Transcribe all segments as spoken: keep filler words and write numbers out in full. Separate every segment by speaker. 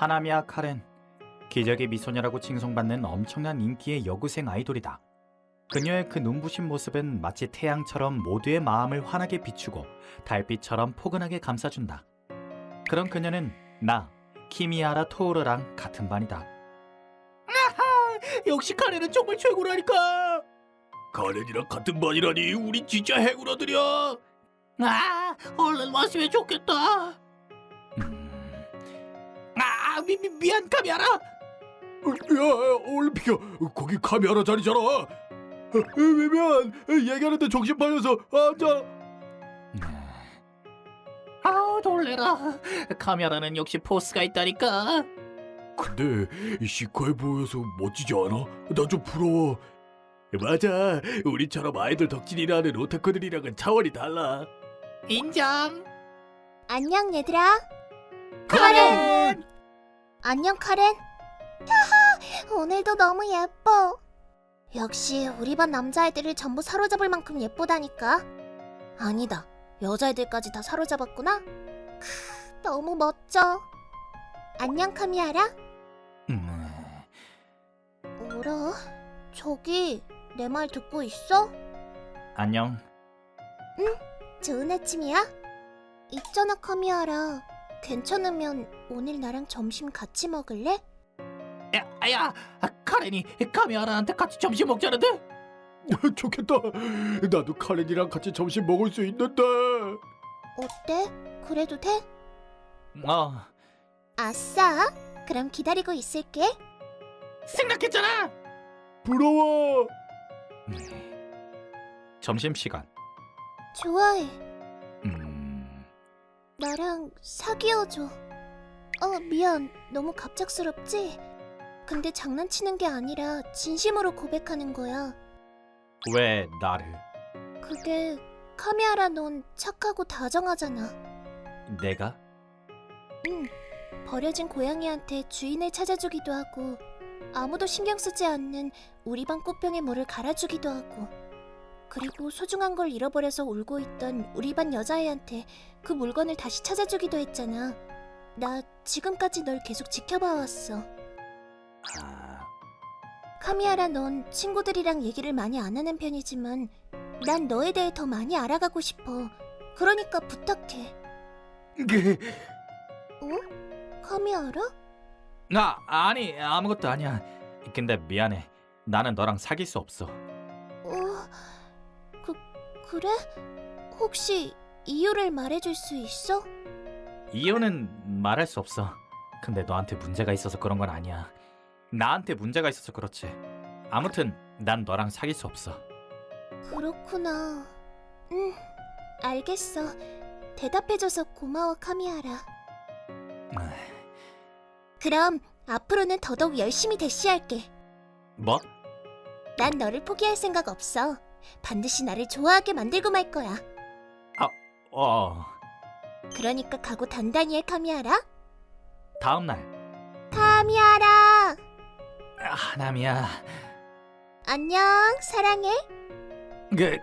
Speaker 1: 하나미야 카렌, 기적의 미소녀라고 칭송받는 엄청난 인기의 여고생 아이돌이다. 그녀의 그 눈부신 모습은 마치 태양처럼 모두의 마음을 환하게 비추고 달빛처럼 포근하게 감싸준다. 그런 그녀는 나, 키미야라 토오르랑 같은 반이다.
Speaker 2: 아하! 역시 카렌은 정말 최고라니까! 카렌이랑 같은 반이라니 우리 진짜 해구라들이야! 아! 얼른 왔으면 좋겠다!
Speaker 1: 음...
Speaker 2: 아! 미, 미, 미안 카미야라! 야! 얼른 비켜! 거기 카미야라 자리잖아! 미안! 얘기하는데 정신 팔려서 앉아! 아우 놀래라. 카메라는 역시 포스가 있다니까. 근데 시커해 보여서 멋지지 않아? 나 좀 부러워. 맞아, 우리처럼 아이돌 덕질이라는 오타쿠들이랑은 차원이 달라. 인정.
Speaker 3: 안녕 얘들아.
Speaker 2: 카렌!
Speaker 3: 안녕 카렌. 야하, 오늘도 너무 예뻐. 역시 우리 반 남자애들을 전부 사로잡을 만큼 예쁘다니까. 아니다, 여자애들까지 다 사로잡았구나. 크, 너무 멋져. 안녕 카미야라.
Speaker 1: 음...
Speaker 3: 뭐라? 저기 내 말 듣고 있어?
Speaker 1: 안녕.
Speaker 3: 좋은 아침이야. 있잖아 카미야라, 괜찮으면 오늘 나랑 점심 같이 먹을래?
Speaker 2: 야, 야, 카렌이 카미야라한테 같이 점심 먹자는데? 좋겠다. 나도 카렌이랑 같이 점심 먹을 수 있는데.
Speaker 3: 어때? 그래도 돼?
Speaker 1: 어,
Speaker 3: 아싸! 그럼 기다리고 있을게.
Speaker 2: 생각했잖아. 부러워.
Speaker 1: 점심시간.
Speaker 3: 좋아해.
Speaker 1: 음...
Speaker 3: 나랑 사귀어줘. 어, 미안. 너무 갑작스럽지? 근데 장난치는 게 아니라 진심으로 고백하는 거야.
Speaker 1: 왜 나를?
Speaker 3: 그게 카미야라, 넌 착하고 다정하잖아.
Speaker 1: 내가?
Speaker 3: 응. 버려진 고양이한테 주인을 찾아주기도 하고, 아무도 신경 쓰지 않는 우리 반 꽃병에 물을 갈아주기도 하고, 그리고 소중한 걸 잃어버려서 울고 있던 우리 반 여자애한테 그 물건을 다시 찾아주기도 했잖아. 나 지금까지 널 계속 지켜봐왔어.
Speaker 1: 아...
Speaker 3: 카미야라, 넌 친구들이랑 얘기를 많이 안 하는 편이지만 난 너에 대해 더 많이 알아가고 싶어. 그러니까 부탁해. 어? 카미야라?
Speaker 1: 나 아니 아무것도 아니야. 근데 미안해. 나는 너랑 사귈 수 없어.
Speaker 3: 어... 그... 그래? 혹시 이유를 말해줄 수 있어?
Speaker 1: 이유는 말할 수 없어. 근데 너한테 문제가 있어서 그런 건 아니야. 나한테 문제가 있어서 그렇지. 아무튼 난 너랑 사귈 수 없어.
Speaker 3: 그렇구나. 응, 알겠어. 대답해줘서 고마워 카미야라. 그럼 앞으로는 더더욱 열심히 대시할게.
Speaker 1: 뭐?
Speaker 3: 난 너를 포기할 생각 없어. 반드시 나를 좋아하게 만들고 말 거야.
Speaker 1: 어...
Speaker 3: 그러니까 각오 단단히 해 카미야라.
Speaker 1: 다음 날.
Speaker 3: 카미야라.
Speaker 1: 아, 하나미야.
Speaker 3: 안녕, 사랑해.
Speaker 1: 그...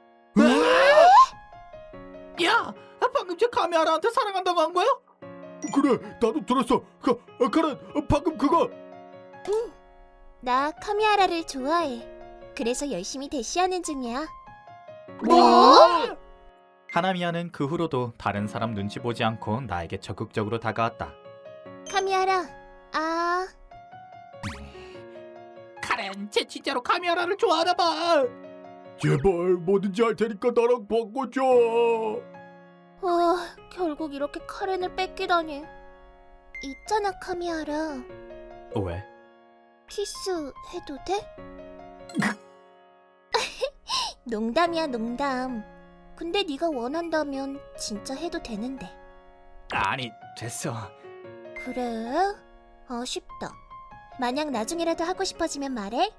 Speaker 2: 야, 방금 제 카미야라한테 사랑한다고 한 거야? 그래, 나도 들었어. 그, 카렌, 방금 그거.
Speaker 3: 응, 나 카미야라를 좋아해. 그래서 열심히 대시하는 중이야.
Speaker 2: 뭐?
Speaker 1: 하나미야는 그 후로도 다른 사람 눈치 보지 않고 나에게 적극적으로 다가왔다.
Speaker 3: 카미야라, 아...
Speaker 2: 카렌, 쟤 진짜로 카미야라를 좋아하나 봐. 제발 뭐든지 할 테니까 나랑 바꿔줘.
Speaker 3: 어, 결국 이렇게 카렌을 뺏기다니. 있잖아 카미야라,
Speaker 1: 왜?
Speaker 3: 키스 해도 돼? 농담이야 농담. 근데 네가 원한다면 진짜 해도 되는데.
Speaker 1: 아니, 됐어.
Speaker 3: 그래? 아쉽다. 만약 나중에라도 하고 싶어지면 말해.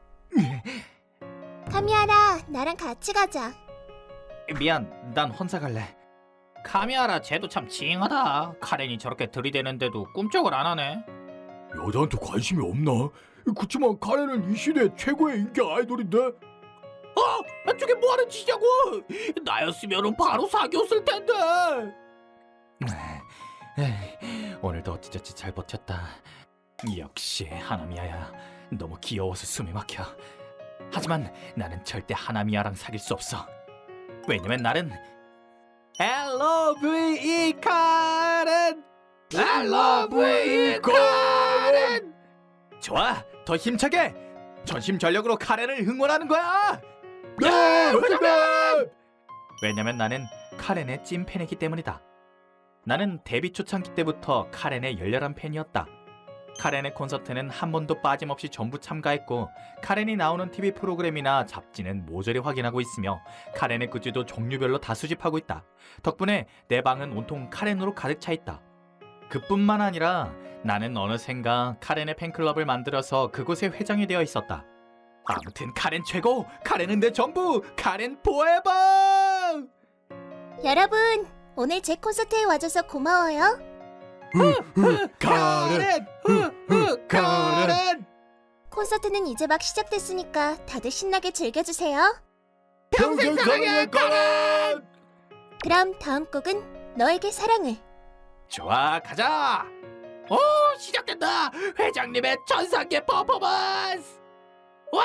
Speaker 3: 카미야라, 나랑 같이 가자.
Speaker 1: 미안, 난 혼자 갈래.
Speaker 2: 카미야라, 쟤도 참 징하다. 카렌이 저렇게 들이대는데도 꿈쩍을 안 하네. 여자한테 관심이 없나? 그치만 카렌은 이 시대 최고의 인기 아이돌인데. 아! 저게 뭐하는 짓이냐고! 나였으면 바로 사귀었을 텐데.
Speaker 1: 에이, 오늘도 그래도 어찌저찌 잘 버텼다. 역시 하나미야야. 너무 귀여워서 숨이 막혀. 하지만 나는 절대 하나미야랑 사귈 수 없어. 왜냐면 나는 엘러브이 카렌! 엘러브이 카렌! 좋아, 더 힘차게! 전심전력으로 카렌을 응원하는 거야! 네, 회장님! 왜냐면 나는 카렌의 찐팬이기 때문이다. 나는 데뷔 초창기 때부터 카렌의 열렬한 팬이었다. 카렌의 콘서트는 한 번도 빠짐없이 전부 참가했고 카렌이 나오는 티비 프로그램이나 잡지는 모조리 확인하고 있으며 카렌의 굿즈도 종류별로 다 수집하고 있다. 덕분에 내 방은 온통 카렌으로 가득 차 있다. 그뿐만 아니라 나는 어느샌가 카렌의 팬클럽을 만들어서 그곳의 회장이 되어 있었다. 아무튼 카렌 최고! 카렌은 내 전부! 카렌 포에버!
Speaker 3: 여러분, 오늘 제 콘서트에 와줘서 고마워요.
Speaker 1: 카렌! 카렌!
Speaker 3: 콘서트는 이제 막 시작됐으니까 다들 신나게 즐겨주세요.
Speaker 1: 평생 사랑해 카렌!
Speaker 3: 그럼 다음 곡은 너에게 사랑을.
Speaker 1: 좋아, 가자!
Speaker 2: 오, 시작된다. 회장님의 전상계 퍼포먼스. 와!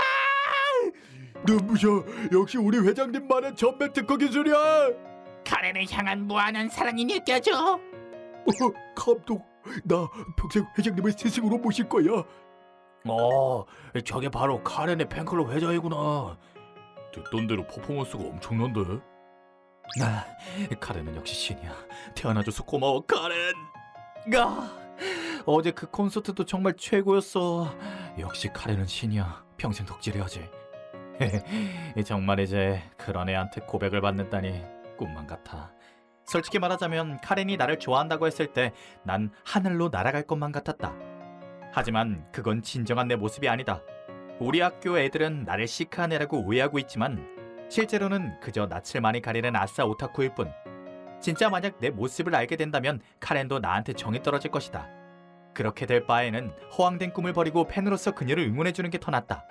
Speaker 1: 눈부셔! 역시 우리 회장님만의 전매 특허 기술이야!
Speaker 2: 카렌을 향한 무한한 사랑이 느껴져.
Speaker 1: 어, 감독, 나 평생 회장님을 스승으로 모실 거야. 어, 저게 바로 카렌의 팬클럽 회장이구나. 듣던 대로 퍼포먼스가 엄청난데? 나 카렌은 역시 신이야. 태어나줘서 고마워, 카렌. 아, 어제 그 콘서트도 정말 최고였어. 역시 카렌은 신이야. 평생 덕질해야지. 정말 이제 그런 애한테 고백을 받는다니 꿈만 같아. 솔직히 말하자면 카렌이 나를 좋아한다고 했을 때 난 하늘로 날아갈 것만 같았다. 하지만 그건 진정한 내 모습이 아니다. 우리 학교 애들은 나를 시크한 애라고 오해하고 있지만 실제로는 그저 낯을 많이 가리는 아싸 오타쿠일 뿐. 진짜 만약 내 모습을 알게 된다면 카렌도 나한테 정이 떨어질 것이다. 그렇게 될 바에는 허황된 꿈을 버리고 팬으로서 그녀를 응원해주는 게 더 낫다.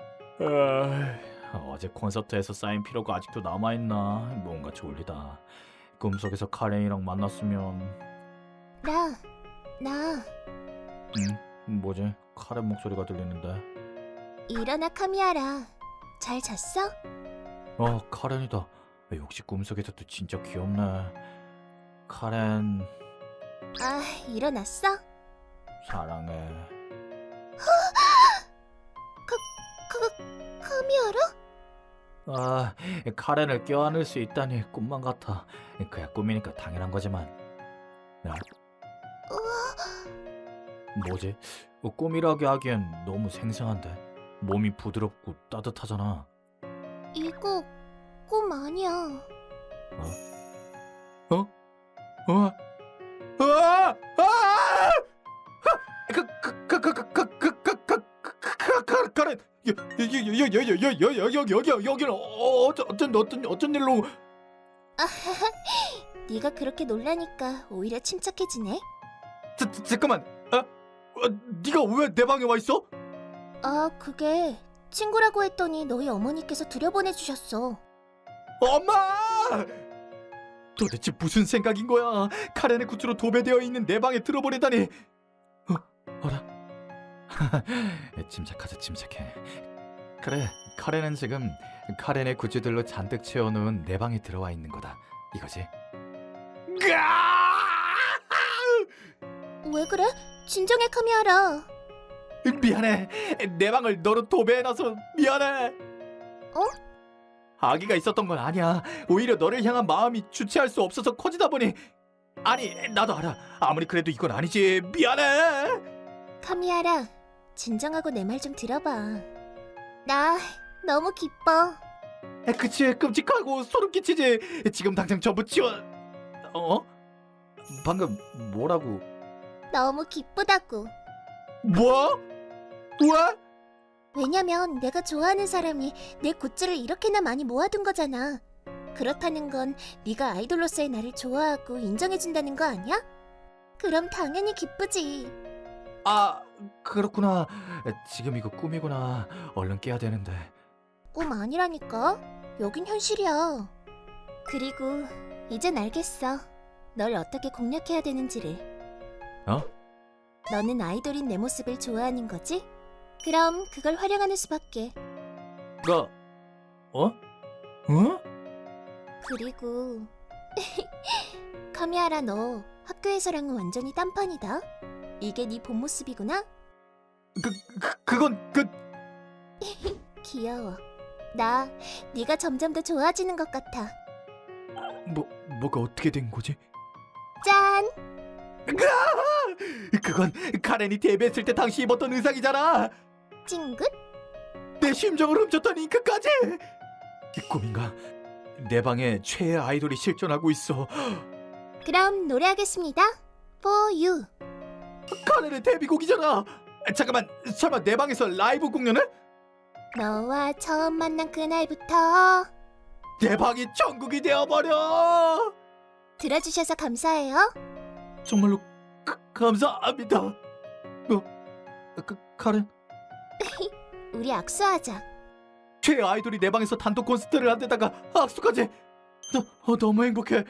Speaker 1: 아, 어제 콘서트에서 쌓인 피로가 아직도 남아있나. 뭔가 졸리다. 꿈속에서 카렌이랑 만났으면.
Speaker 3: 나, 나.
Speaker 1: 응? 뭐지? 카렌 목소리가 들리는데.
Speaker 3: 일어나 카미아라. 잘 잤어?
Speaker 1: 어, 카렌이다. 역시 꿈속에서도 진짜 귀엽네. 카렌,
Speaker 3: 아, 일어났어?
Speaker 1: 사랑해.
Speaker 3: 카, 카미아라?
Speaker 1: 아, 카렌을 껴안을 수 있다니 꿈만 같아. 그야 꿈이니까 당연한 거지만. 야, 뭐지? 어, 꿈이라고 하기엔 너무 생생한데. 몸이 부드럽고 따뜻하잖아.
Speaker 3: 이거 꿈 아니야.
Speaker 1: 어? 어? 아! 아! 그, 그, 그, 그, 그, 그, 그, 그, 그, 그, 그, 그, 카렌, 여, 여, 여, 여, 여, 여, 여, 여, 여기, 여기, 여기는 어, 어쩐, 어쩐, 어떤, 어쩐 일로?
Speaker 3: 네가 그렇게 놀라니까 오히려 침착해지네.
Speaker 1: 자, 자, 잠깐만, 아, 어, 네가 왜 내 방에 와 있어?
Speaker 3: 아, 그게 친구라고 했더니 너희 어머니께서 들여보내주셨어.
Speaker 1: 엄마! 도대체 무슨 생각인 거야? 카렌의 굿즈로 도배되어 있는 내 방에 들어버리다니. 어, 어라? 침착하자, 침착해. 그래, 카렌은 지금 카렌의 굿즈들로 잔뜩 채워놓은 내 방에 들어와 있는 거다. 이거지?
Speaker 3: 왜 그래? 진정해 카미아라.
Speaker 1: 미안해. 내 방을 너로 도배해놔서 미안해.
Speaker 3: 어?
Speaker 1: 아기가 있었던 건 아니야. 오히려 너를 향한 마음이 주체할 수 없어서 커지다 보니. 아니, 나도 알아. 아무리 그래도 이건 아니지. 미안해.
Speaker 3: 카미아라, 진정하고 내 말 좀 들어봐. 나 너무 기뻐.
Speaker 1: 그치, 끔찍하고 소름 끼치지. 지금 당장 전부 치워. 어? 방금 뭐라고?
Speaker 3: 너무 기쁘다고.
Speaker 1: 뭐? 왜?
Speaker 3: 왜냐면 내가 좋아하는 사람이 내 굿즈를 이렇게나 많이 모아둔 거잖아. 그렇다는 건 네가 아이돌로서의 나를 좋아하고 인정해준다는 거 아니야? 그럼 당연히 기쁘지.
Speaker 1: 아, 그렇구나. 지금 이거 꿈이구나. 얼른 깨야 되는데.
Speaker 3: 꿈 아니라니까. 여긴 현실이야. 그리고 이젠 알겠어. 널 어떻게 공략해야 되는지를.
Speaker 1: 어?
Speaker 3: 너는 아이돌인 내 모습을 좋아하는 거지? 그럼 그걸 활용하는 수밖에.
Speaker 2: 가 어? 어?
Speaker 3: 그리고 카미아라, 너 학교에서랑은 완전히 딴판이다. 이게 네 본 모습이구나?
Speaker 2: 그, 그 그건 그
Speaker 3: 귀여워. 나 네가 점점 더 좋아지는 것 같아.
Speaker 2: 뭐 뭐가 어떻게 된 거지?
Speaker 3: 짠!
Speaker 2: 으아! 그건 카렌이 데뷔했을 때 당시 입었던 의상이잖아.
Speaker 3: 찡긋?
Speaker 2: 내 심정을 훔쳤던 잉크까지. 꿈인가? 내 방에 최애 아이돌이 실존하고 있어.
Speaker 3: 그럼 노래하겠습니다. For you.
Speaker 2: 카렌의 데뷔곡이잖아. 잠깐만, 설마 내 방에서 라이브 공연을?
Speaker 3: 너와 처음 만난 그날부터.
Speaker 2: 내 방이 천국이 되어버려.
Speaker 3: 들어주셔서 감사해요.
Speaker 2: 정말로 가, 감사합니다. 어, 그, 카렌?
Speaker 3: 우리 악수하자.
Speaker 2: 최애 아이돌이 내 방에서 단독 콘서트를 한데다가 악수까지. 너, 어, 너무 행복해.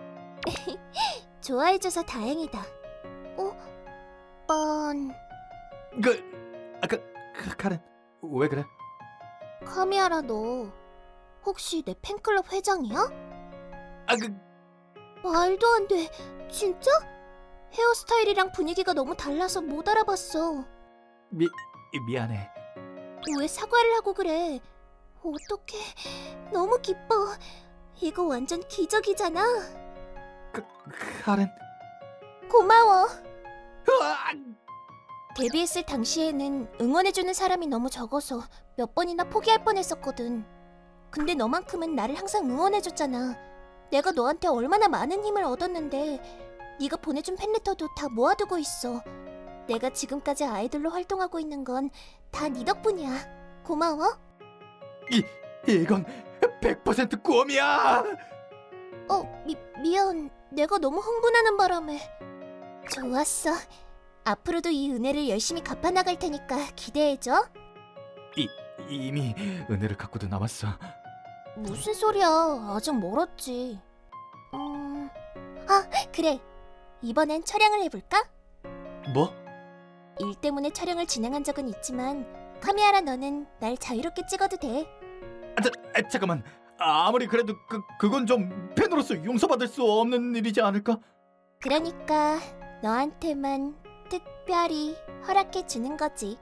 Speaker 3: 좋아해줘서 다행이다. 어? 뻔...
Speaker 2: 그, 아까 그, 카렌 왜 그래?
Speaker 3: 카미아라, 너 혹시 내 팬클럽 회장이야?
Speaker 2: 아, 그
Speaker 3: 말도 안 돼. 진짜? 헤어스타일이랑 분위기가 너무 달라서 못 알아봤어.
Speaker 2: 미 미안해.
Speaker 3: 왜 사과를 하고 그래? 어떡해. 너무 기뻐. 이거 완전 기적이잖아.
Speaker 2: 그, 카렌.
Speaker 3: 고마워.
Speaker 2: 으아!
Speaker 3: 데뷔했을 당시에는 응원해주는 사람이 너무 적어서 몇 번이나 포기할 뻔했었거든. 근데 너만큼은 나를 항상 응원해줬잖아. 내가 너한테 얼마나 많은 힘을 얻었는데 네가 보내준 팬레터도 다 모아두고 있어. 내가 지금까지 아이돌로 활동하고 있는 건 다 네 덕분이야. 고마워.
Speaker 2: 이 이건 백 퍼센트 꿈이야.
Speaker 3: 어, 미, 미안. 내가 너무 흥분하는 바람에. 좋았어. 앞으로도 이 은혜를 열심히 갚아나갈 테니까 기대해줘.
Speaker 2: 이 이미 은혜를 갖고도 남았어.
Speaker 3: 무슨 소리야. 아직 멀었지. 음... 아, 그래. 이번엔 촬영을 해볼까?
Speaker 2: 뭐?
Speaker 3: 일 때문에 촬영을 진행한 적은 있지만 카미아라, 너는 날 자유롭게 찍어도 돼.
Speaker 2: 아, 자, 아, 잠깐만. 아무리 그래도 그 그건 좀 팬으로서 용서받을 수 없는 일이지 않을까?
Speaker 3: 그러니까 너한테만 특별히 허락해 주는 거지.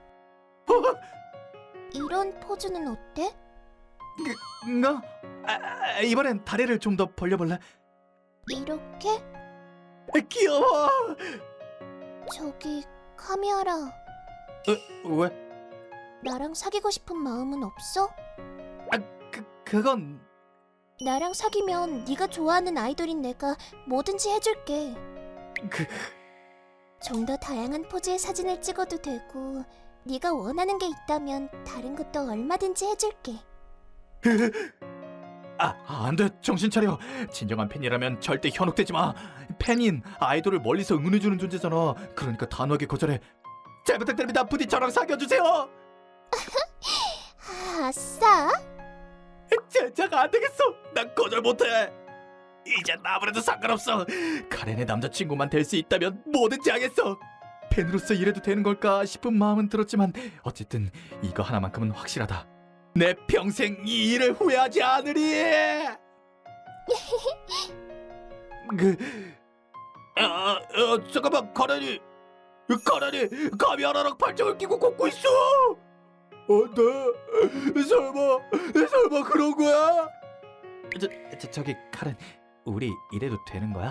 Speaker 3: 이런 포즈는 어때?
Speaker 2: 나 아, 아, 이번엔 다리를 좀 더 벌려볼래?
Speaker 3: 이렇게?
Speaker 2: 아, 귀여워.
Speaker 3: 저기 카미아라,
Speaker 2: 어, 왜?
Speaker 3: 나랑 사귀고 싶은 마음은 없어?
Speaker 2: 아, 그 그건
Speaker 3: 나랑 사귀면 네가 좋아하는 아이돌인 내가 뭐든지 해줄게.
Speaker 2: 그
Speaker 3: 좀 더 다양한 포즈의 사진을 찍어도 되고 네가 원하는 게 있다면 다른 것도 얼마든지 해줄게.
Speaker 2: 아, 안 돼. 정신 차려. 진정한 팬이라면 절대 현혹되지 마. 팬인 아이돌을 멀리서 응원해주는 존재잖아. 그러니까 단호하게 거절해. 잘 부탁드립니다. 부디 저랑 사귀어주세요.
Speaker 3: 아, 아싸.
Speaker 2: 진짜가 안 되겠어. 난 거절 못해. 이제 아무래도 상관없어. 카렌의 남자친구만 될 수 있다면 뭐든지 하겠어. 팬으로서 이래도 되는 걸까 싶은 마음은 들었지만 어쨌든 이거 하나만큼은 확실하다. 내 평생 이 일을 후회하지 않으리. 그, 아, 아, 잠깐만, 카렌이, 카렌이 카미아라랑 발정을 끼고 걷고 있어. 어, 네? 설마, 설마 그런 거야? 저, 저, 저기 카렌, 우리 이래도 되는 거야?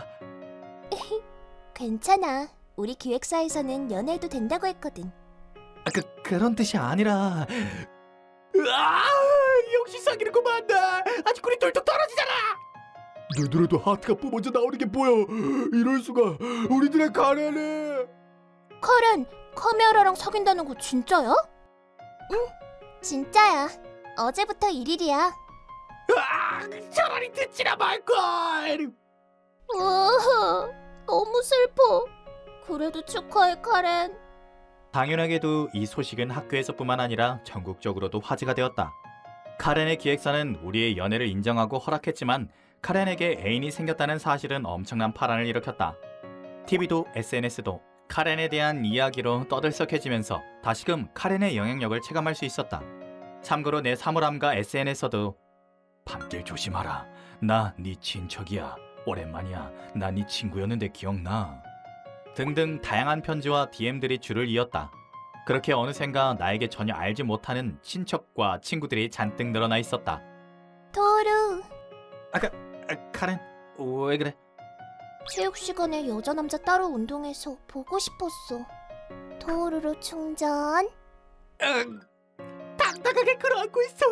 Speaker 3: 괜찮아. 우리 기획사에서는 연애해도 된다고 했거든.
Speaker 2: 아, 그 그런 뜻이 아니라. 아, 역시 사귀는구만. 아직 꿀이 똘똘 떨어지잖아. 내 눈에도 하트가 뿜어져 나오는 게 보여. 이럴 수가. 우리들의 카렌이.
Speaker 3: 카렌, 카미아라랑 사귄다는 거 진짜야? 응, 진짜야. 어제부터 일일이야.
Speaker 2: 아, 차라리 듣지나 말걸.
Speaker 3: 어, 너무 슬퍼. 그래도 축하해, 카렌.
Speaker 1: 당연하게도 이 소식은 학교에서뿐만 아니라 전국적으로도 화제가 되었다. 카렌의 기획사는 우리의 연애를 인정하고 허락했지만 카렌에게 애인이 생겼다는 사실은 엄청난 파란을 일으켰다. 티비도 에스엔에스도 카렌에 대한 이야기로 떠들썩해지면서 다시금 카렌의 영향력을 체감할 수 있었다. 참고로 내 사물함과 에스엔에스에서도 밤길 조심하라. 나 네 친척이야. 오랜만이야. 나 네 친구였는데 기억나. 등등 다양한 편지와 디엠들이 줄을 이었다. 그렇게 어느샌가 나에게 전혀 알지 못하는 친척과 친구들이 잔뜩 늘어나 있었다.
Speaker 3: 토르,
Speaker 1: 아까 아, 카렌 왜 그래?
Speaker 3: 체육 시간에 여자 남자 따로 운동해서 보고 싶었어. 토르로 충전.
Speaker 1: 응, 당당하게 끌어안고 있어.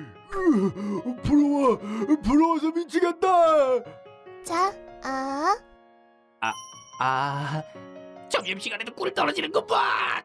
Speaker 2: 부러워, 부러워서 미치겠다.
Speaker 3: 자, 아,
Speaker 1: 아,
Speaker 2: 점심시간에도 꿀 떨어지는 것 봐.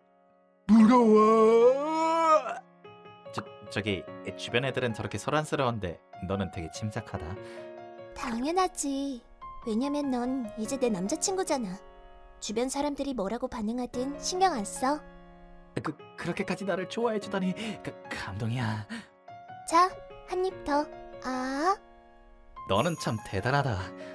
Speaker 1: 부러워. 저 저기 주변 애들은 저렇게 소란스러운데 너는 되게 침착하다.
Speaker 3: 당연하지. 왜냐면 넌 이제 내 남자친구잖아. 주변 사람들이 뭐라고 반응하든 신경 안 써.
Speaker 1: 그 그렇게까지 나를 좋아해 주다니 그, 감동이야.
Speaker 3: 자, 한 입 더. 아,
Speaker 1: 너는 참 대단하다.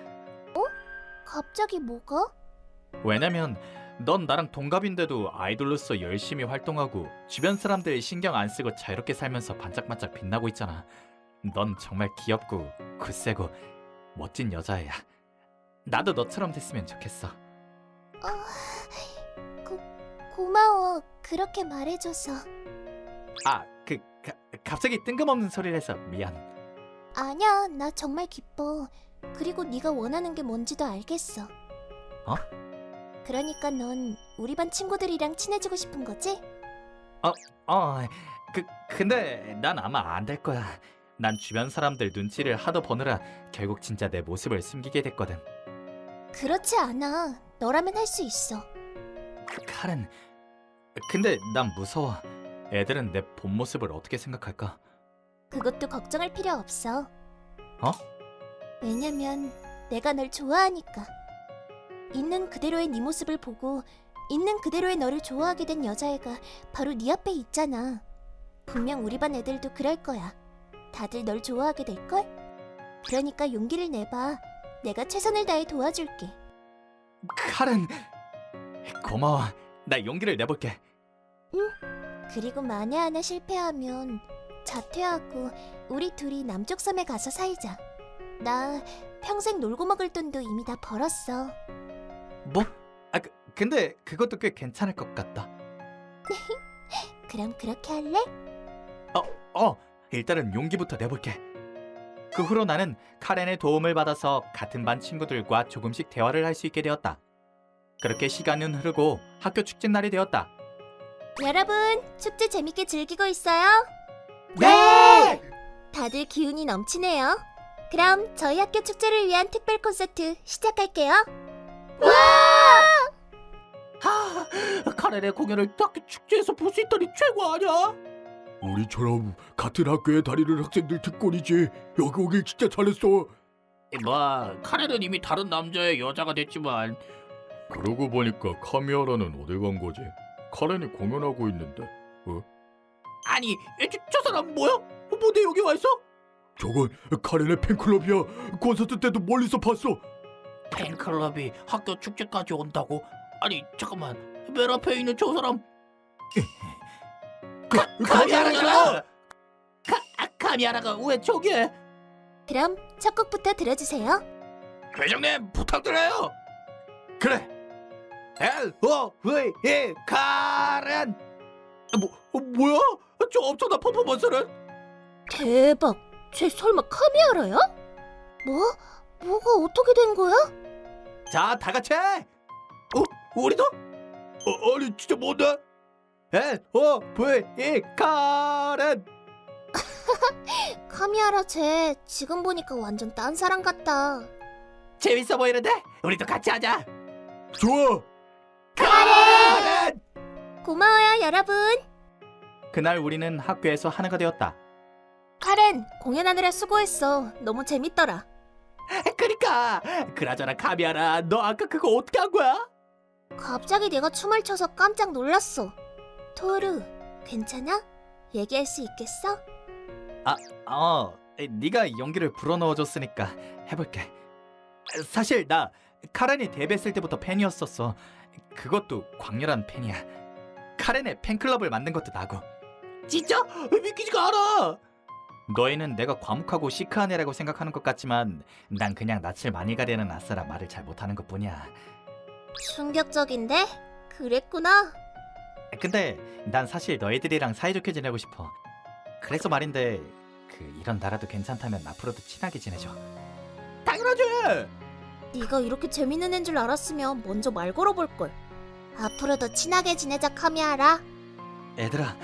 Speaker 3: 갑자기 뭐가?
Speaker 1: 왜냐면 넌 나랑 동갑인데도 아이돌로서 열심히 활동하고 주변 사람들 신경 안 쓰고 자유롭게 살면서 반짝반짝 빛나고 있잖아. 넌 정말 귀엽고 굳세고 멋진 여자애야. 나도 너처럼 됐으면 좋겠어.
Speaker 3: 어, 고, 고마워. 그렇게 말해줘서.
Speaker 1: 아, 그 가, 갑자기 뜬금없는 소리를 해서 미안.
Speaker 3: 아니야, 나 정말 기뻐. 그리고 네가 원하는 게 뭔지도 알겠어.
Speaker 1: 어?
Speaker 3: 그러니까 넌 우리 반 친구들이랑 친해지고 싶은 거지?
Speaker 1: 어, 그 근데 난 아마 안 될 거야. 난 주변 사람들 눈치를 하도 보느라 결국 진짜 내 모습을 숨기게 됐거든.
Speaker 3: 그렇지 않아. 너라면 할 수 있어.
Speaker 1: 카렌, 근데 난 무서워. 애들은 내 본 모습을 어떻게 생각할까?
Speaker 3: 그것도 걱정할 필요 없어.
Speaker 1: 어?
Speaker 3: 왜냐면 내가 널 좋아하니까. 있는 그대로의 네 모습을 보고 있는 그대로의 너를 좋아하게 된 여자애가 바로 네 앞에 있잖아. 분명 우리 반 애들도 그럴 거야. 다들 널 좋아하게 될걸? 그러니까 용기를 내봐. 내가 최선을 다해 도와줄게.
Speaker 1: 카렌, 고마워. 나 용기를 내볼게.
Speaker 3: 그리고 만에 하나 실패하면 자퇴하고 우리 둘이 남쪽 섬에 가서 살자. 나 평생 놀고 먹을 돈도 이미 다 벌었어.
Speaker 1: 뭐? 아, 그, 근데 그것도 꽤 괜찮을 것 같다.
Speaker 3: 그럼 그렇게 할래?
Speaker 1: 어, 일단은 용기부터 내볼게. 그 후로 나는 카렌의 도움을 받아서 같은 반 친구들과 조금씩 대화를 할 수 있게 되었다. 그렇게 시간은 흐르고 학교 축제 날이 되었다.
Speaker 3: 여러분, 축제 재밌게 즐기고 있어요?
Speaker 1: 네!
Speaker 3: 다들 기운이 넘치네요. 그럼 저희 학교 축제를 위한 특별 콘서트 시작할게요.
Speaker 2: 하, 카렌의 공연을 학교 축제에서 볼 수 있다니 최고 아니야? 우리처럼 같은 학교에 다니는 학생들 특권이지. 여기 오길 진짜 잘했어. 뭐 카렌은 이미 다른 남자의 여자가 됐지만. 그러고 보니까 카미아라는 어디 간 거지? 카렌이 공연하고 있는데. 어? 아니, 저, 저 사람 뭐야? 뭐내 여기 와 있어? 저건 카렌의 팬클럽이야. 콘서트 때도 멀리서 봤어. 팬클럽이 학교 축제까지 온다고? 아니 잠깐만, 맨 앞에 있는 저 사람 카, 카미아라가 카, 아, 카미아라가 왜 저기에?
Speaker 3: 그럼 첫 곡부터 들어주세요.
Speaker 2: 회장님 부탁드려요. 그래. L O V E 카렌. 뭐 어, 뭐야? 저 엄청난 퍼포먼스는?
Speaker 3: 대박! 쟤 설마 카미아라야? 뭐? 뭐가 어떻게 된 거야?
Speaker 1: 자, 다 같이.
Speaker 2: 어? 우리도? 어, 아니 진짜 뭔데?
Speaker 1: L O V E 카렌.
Speaker 3: 카미아라 쟤 지금 보니까 완전 딴 사람 같다.
Speaker 1: 재밌어 보이는데? 우리도 같이 하자.
Speaker 2: 좋아.
Speaker 1: 카렌!
Speaker 3: 고마워요, 여러분.
Speaker 1: 그날 우리는 학교에서 하나가 되었다.
Speaker 3: 카렌, 공연하느라 수고했어. 너무 재밌더라.
Speaker 1: 그러니까 그나저나 카미아라, 너 아까 그거 어떻게 한 거야?
Speaker 3: 갑자기 내가 춤을 춰서 깜짝 놀랐어. 토르, 괜찮아? 얘기할 수 있겠어?
Speaker 1: 어, 네가 용기를 불어넣어줬으니까 해볼게. 사실 나 카렌이 데뷔했을 때부터 팬이었었어. 그것도 광렬한 팬이야. 카렌의 팬클럽을 만든 것도 나고.
Speaker 2: 진짜? 믿기지가 않아.
Speaker 1: 너희는 내가 과묵하고 시크한 애라고 생각하는 것 같지만 난 그냥 낯을 많이 가리는 아싸라 말을 잘 못하는 것뿐이야.
Speaker 3: 충격적인데? 그랬구나.
Speaker 1: 근데 난 사실 너희들이랑 사이좋게 지내고 싶어. 그래서 말인데 그 이런 나라도 괜찮다면 앞으로도 친하게 지내줘.
Speaker 2: 당연하지.
Speaker 3: 네가 이렇게 재밌는 애인 줄 알았으면 먼저 말 걸어볼 걸. 앞으로도 친하게 지내자, 카미아라.
Speaker 1: 얘들아,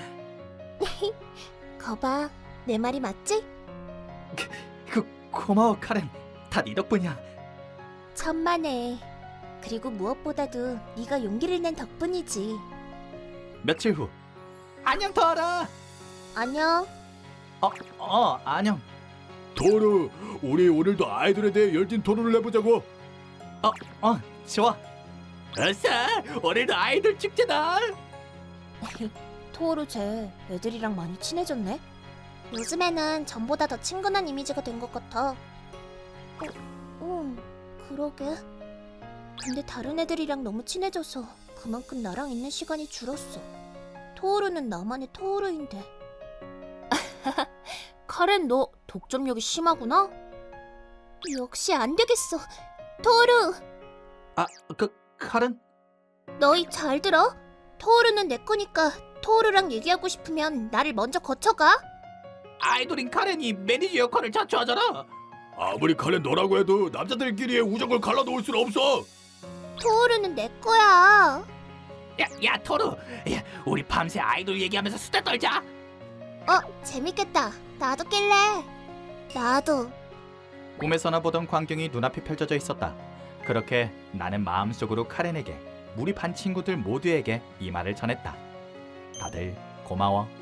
Speaker 3: 거봐, 내 말이 맞지?
Speaker 1: 그 고마워 카렌. 다 네 덕분이야.
Speaker 3: 천만에. 그리고 무엇보다도 네가 용기를 낸 덕분이지.
Speaker 1: 며칠 후.
Speaker 2: 안녕 터라.
Speaker 3: 안녕.
Speaker 1: 어, 어, 안녕.
Speaker 2: 토르, 우리 오늘도 아이돌에 대해 열띤 토론을 해보자고.
Speaker 1: 어, 좋아.
Speaker 2: 어서, 오늘도 아이돌 축제다.
Speaker 3: 토오루 쟤 애들이랑 많이 친해졌네. 요즘에는 전보다 더 친근한 이미지가 된 것 같아. 어, 응, 그러게. 근데 다른 애들이랑 너무 친해져서 그만큼 나랑 있는 시간이 줄었어. 토오루는 나만의 토오루인데. 카렌, 너 독점력이 심하구나? 역시 안 되겠어. 토오루,
Speaker 1: 아, 그 카렌?
Speaker 3: 너희 잘 들어? 토오루는 내 거니까 토오루랑 얘기하고 싶으면 나를 먼저 거쳐가.
Speaker 2: 아이돌인 카렌이 매니저 역할을 자처하잖아. 아무리 카렌 너라고 해도 남자들끼리의 우정을 갈라놓을 수는 없어.
Speaker 3: 토오루는 내 거야.
Speaker 2: 야, 야 토르, 야, 우리 밤새 아이돌 얘기하면서 수다 떨자.
Speaker 3: 어, 재밌겠다. 나도 낄래. 나도.
Speaker 1: 꿈에서나 보던 광경이 눈앞에 펼쳐져 있었다. 그렇게 나는 마음속으로 카렌에게, 우리 반 친구들 모두에게 이 말을 전했다. 다들 고마워.